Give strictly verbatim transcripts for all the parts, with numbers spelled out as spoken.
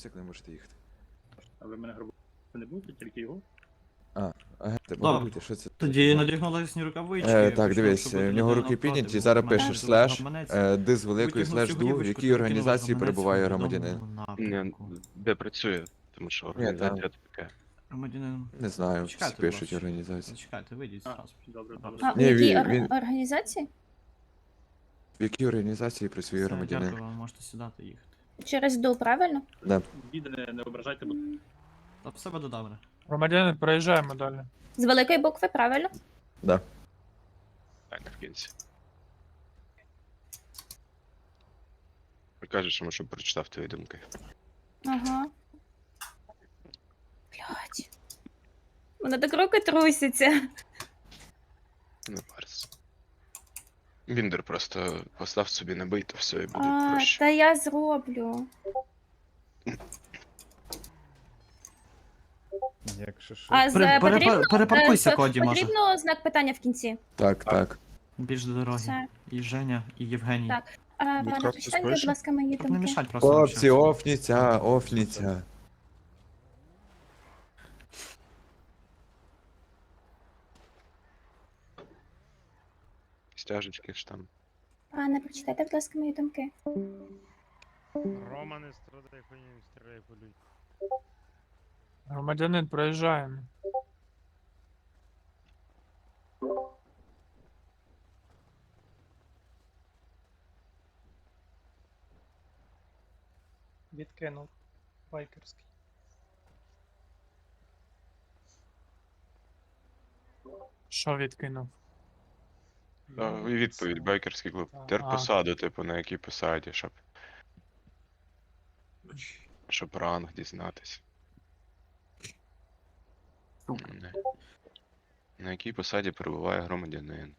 мотоцикл, не можете їхати. А ви мене грабувати не будете, тільки його? А, агенти, Добре. можете, що це? Тоді надягнули рукавички. Е, так, пішов, дивись, щоб в бути нього руки навпроти, підняті, був зараз гаманець, пишеш був слеш, гаманець. е, ди з великої Витягнув слеш цю ду, в гілочку, якій перекинув організації гаманець перебуває в громадянин. відомому Ні, напрямку. де працює, тому що там. організація така. Громадянин. Не знаю, всі Чекайте, пишуть будь ласка. організації. Зачекайте, вийдіть А, зразу. добре, Добре. добре. А, в Ні, якій він- ор- він- організації? В якій організації працює Все, громадянин? дякую вам, можете сідати і їхати. Через ду, правильно? Віде не, не ображайте, бо Та все буде добре. Громадянин, проїжджаємо далі. З великої букви, правильно? Да. Так, в кінці. Кажеш йому, щоб прочитав твої думки. Ага. Блядь. Мене так руки трусяться. Не парся. Віндер просто постав собі не бий, то все і буде А, проще. та я зроблю. Якщо що. А з Пере- пере- потрібно, перепаркуйся, е, Коді, може. потрібно знак питання в кінці. Так, так. Більш до дороги. Все. І Женя, і Євгеній. Так. А, пане, Якраз прочитайте, будь безпечно. ласка, мої Щоб не думки. мішать просто. Хлопці, общатися. офніця, офніця. Стяжечки ж там. Пане, прочитайте, будь ласка, мої думки. Рома, не страдай хуйню, не стріляй по людям. Громадянин, проїжджаємо. Відкинув. Байкерський. Що відкинув? А, і відповідь, байкерський клуб. А. Терпосаду, типу, на якій посаді, щоб. Щоб ранг дізнатись. Не. На якій посаді перебуває громадянин.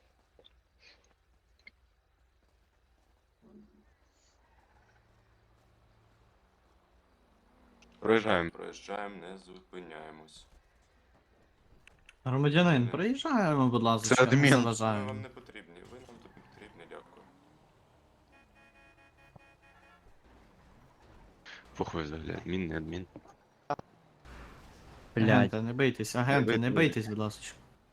Проїжджаємо, проїжджаємо, не зупиняємось. Громадянин, приїжджаємо, будь ласка. Це адмін. не Ми заважаємо. вам не потрібні, ви нам тут не потрібні, дякую. Похуй взагалі, адмін, не адмін. Агенти, не бийтесь, агенти, не бийте. бийтесь, будь ласка.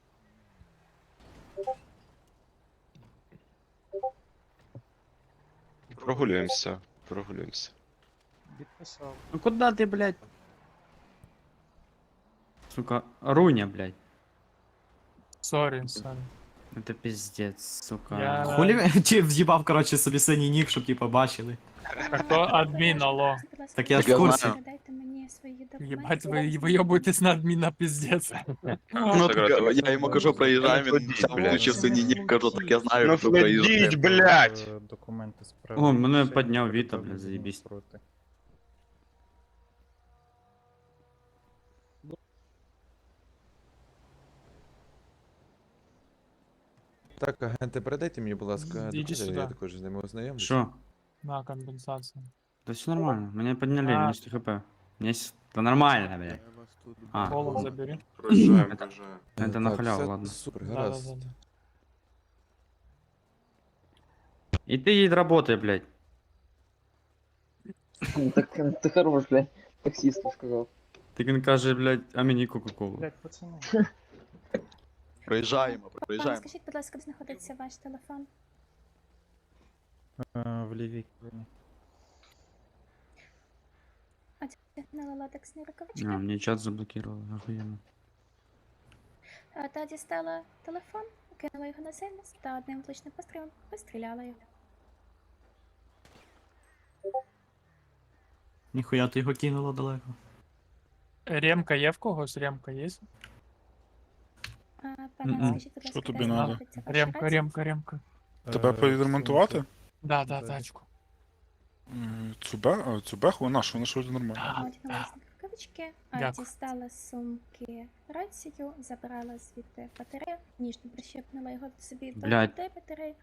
Прогулюємося, прогулюємося. Відписав. Ну куда ты, блядь? Сука, Руня, блядь. Сорі, сорі. Это пиздец, сука. Я- Хулі він- чи в'їбав, коротше, собі синій нік, щоб ті побачили. Так то адмін, алло. Будь ласка, Так я ж Так в я курсі. знаю. передайте мені свої документи. Єбать, ви вийобуєтесь на адміна, пиздец. Ну, так я, я йому кажу, проїжджаємо, він сам включив синій, кажу, так я знаю, Ну фледіть, блядь! Е, Документи справи. О, мене підняв Віта, блядь, заєбісь. Проти. Так, агенти, передайте мені, будь ласка, Ідіть документи, сюди. я також з ними ознайомлюсь. Що? На компенсацію. Да все нормально, меня подняли, А. у меня сто хп. Мне с- Да нормально, блядь. А, Голос забери. Проїжджаємо, Это- проїжджаємо. это Так, на халяву, все ладно. Супер, Да, гаразд. да, да. И ты едь работай, блядь. Так ты хорош, блядь, таксисту сказал. Ты він каже, блядь, а мені кока-колу. Блядь, пацани. Проїжджаємо, Пане, проїжджаємо. скажіть, будь ласка, де знаходиться ваш телефон? Е, В лівій кроні. Одягнула латексні рукавички. А, мне чат заблокировал, охуенно. А, Та дістала телефон, кинула його на землю та одним влучним пострілом постріляла його. Ніхуя ти його кинула далеко. Ремка є в когось? Ремка є? А, Пане, Мгм. скажіть, будь ласка, тобі де надо? знаходиться ваша Ремка, рація? ремка, ремка. Тебе Е, підремонтувати? Да, да, тачку. Цубе? Цубеху? Вона що? Вона що нормально. Одягнула власні рукавички, а, Дякую. дістала з сумки рацію, забрала звідти батарею, ніжно прищепнула його собі до Блядь. грудей батареї.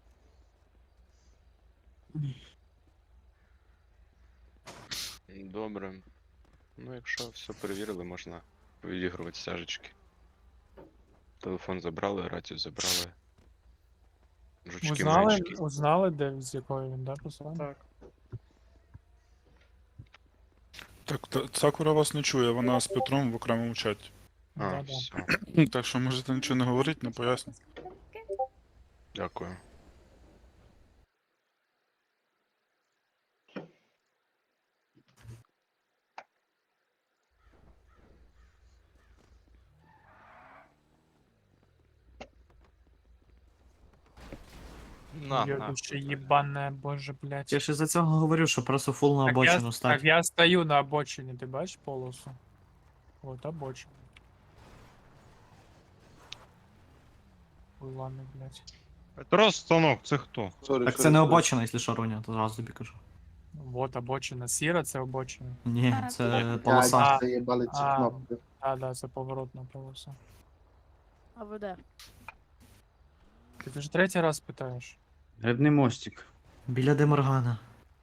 Добре. Ну, якщо все перевірили, можна відігрувати стяжечки. Телефон забрали, рацію забрали. Жучки Узнали, маячки. узнали, де з якої він, да, посилання? Так. Так, та- Сакура вас не чує, вона з Петром в окремому чаті. А, Да-да. все. Так що можете нічого не говорити, не поясню. Дякую. На, на. Йобище єбане, боже, блядь. Я ж із-за цього говорю, що просто фул на Так я, обочину так стать. я стою на обочині, ти бачиш полосу? От обочина. Ой, ладно, блядь. Петро Станок, це хто? Так це не обочина, якщо що, Руня, то зразу тобі кажу. Вот обочина. Сіра це обочина. Ні, А, це полоса. А, заїбали ці а. кнопки. А, да, це поворотна полоса. А ви де? Ти вже третій раз питаєш. Грибний мостик. Біля Деморгана.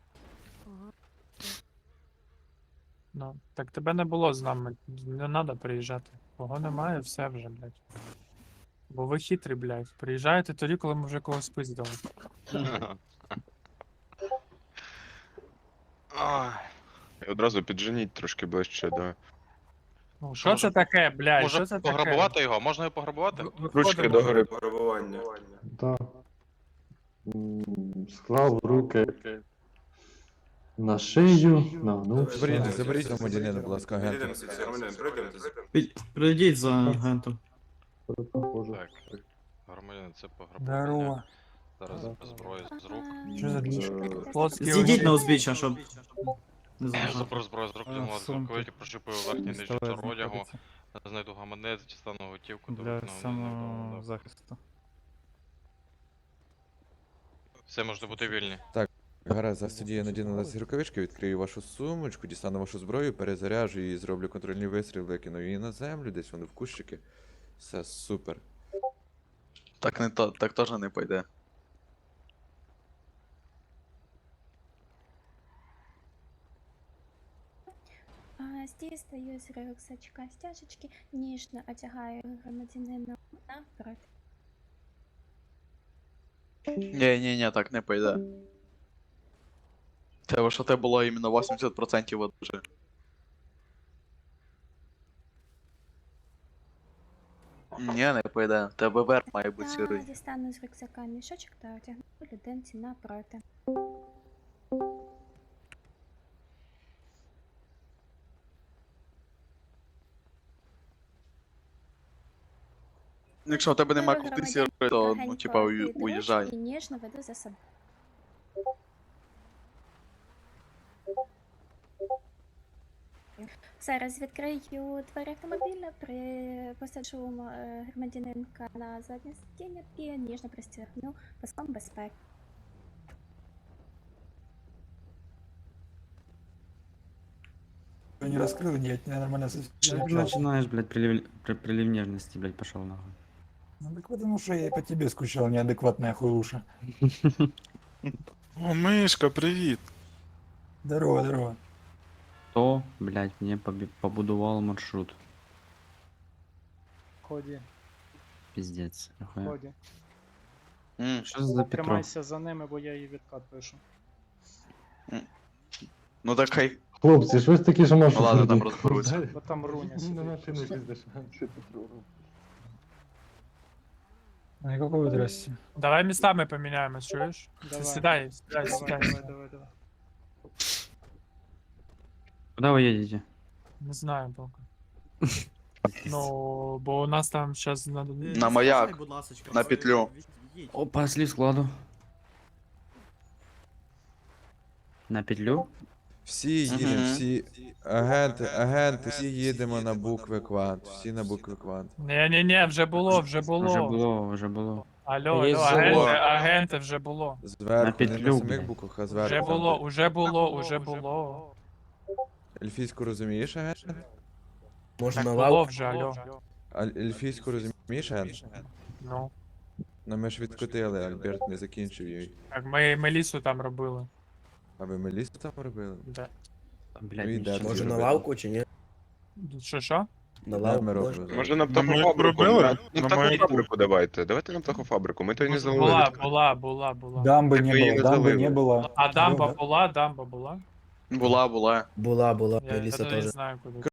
Ну, так тебе не було з нами. Не треба приїжджати. Кого немає, все вже, блядь. Бо ви хитрі, блядь. Приїжджаєте тоді, коли ми вже когось пиздили. Ай. І одразу підженіть трошки ближче до. Ну, що це таке, блядь? Що це таке? Пограбувати його? Можна його пограбувати? Ви- Ручки виходимо. до гори. Да. Склав руки на шию, нагнувся. Заберіть, заберіть громадянина, будь ласка, агента. Під- Прийдіть за агентом. Так. Громадянин, це пограбування. Здорово. Зараз без зброї з рук. Що за двіж? Плотський Зійдіть угідь. на узбіччя, щоб не заважати. Заберу зброю з рук, А, йому сумки. рукавиті прощупую верхній нижній Пістолет шар одягу. знаходиться Знайду гаманець, дістану готівку, Для довикну вниз, самозахисту. все, можете бути вільні. Гаразд, зараз тоді я надіну на ці рукавички, відкрию вашу сумочку, дістану вашу зброю, перезаряжу її, зроблю контрольні вистріли, кину її на землю, десь вони в кущики. Все супер. Так не то, так теж не пойде. А, дістаю з рюкзачка стяжечки, ніжно одягаю громадянина напроти. Ні, ні, ні, так не пойде. Треба, що те було іменно вісімдесят відсотків одужи. Ні, не пойде. Тебе верх має бути Та сірий. дістану з рюкзака мішочок та одягну людинці напроти. Якщо у тебе немає Беру куди громадянина сірий, то, ну, легенько типа, під уї- ручку уїжджай. І ніжно веду за собою. Зараз відкрию двері автомобіля, при... посаджу е, громадянинка на заднє сидіння і ніжно пристягну паском безпеки. Не раскрыл, нет, я нормально Что ты начинаешь, блядь, прилив, при- прилив нежности, блядь, пошел нахуй. Ну так потому что я по тебе скучал, неадекватная хуюша. О, Мишка, привіт! Здорово, здорово. Кто, блядь, мне поби- побудовал маршрут? Ході, Пиздец. Нахуя. ході. М, Что за Петро? Тримайся за ними, бо я їй відкат пишу. Ну так хай. Хлопці, щось таке, що Ну нашу ладно, там розберуться. Бо там руня сидить. Никакого здрасте. Давай местами поменяемся, чуешь? Давай. Седай, седай, Давай, седай. давай, давай, давай. Куда вы едете? Не знаю пока. Ну, бо у нас там сейчас надо... На маяк. Будь ласочка. На петлю. Опа, слив складу. На петлю? Всі їдемо, Мгм. всі агенти, агенти, всі їдемо на букви квант, всі на букви квант. Не-не-не, вже було, вже Уже було. было, уже было. Алло, Є алло, зело. агенти, агенти вже було. Зверху, не петлю, на самих блядь. буквах, а Вже зверху. було, уже було, уже було. Ельфійську розумієш, агент? Так було вже, алло. А ельфійську розумієш, агент? Ну, Ну ми ж відкотили, Альберт не закінчив її. так ми, ми лісу там робили. А ви мелісту там робили? Да. Блядь, Ну і не де щас. тоді Може на робили? лавку чи ні? Що, що? На Де лавку ми можна? робили? Може на На мою птахофабрику? робили? На На птахофабрику давайте. Давайте на птахофабрику, ми то й не Була, залили. була, була, була. Дамби Так не ви її було, не дамби залили. не було. А дамба Ну, була, дамба була. Була, була. Була, була, Я, я Еліса навіть теж. знаю, куди.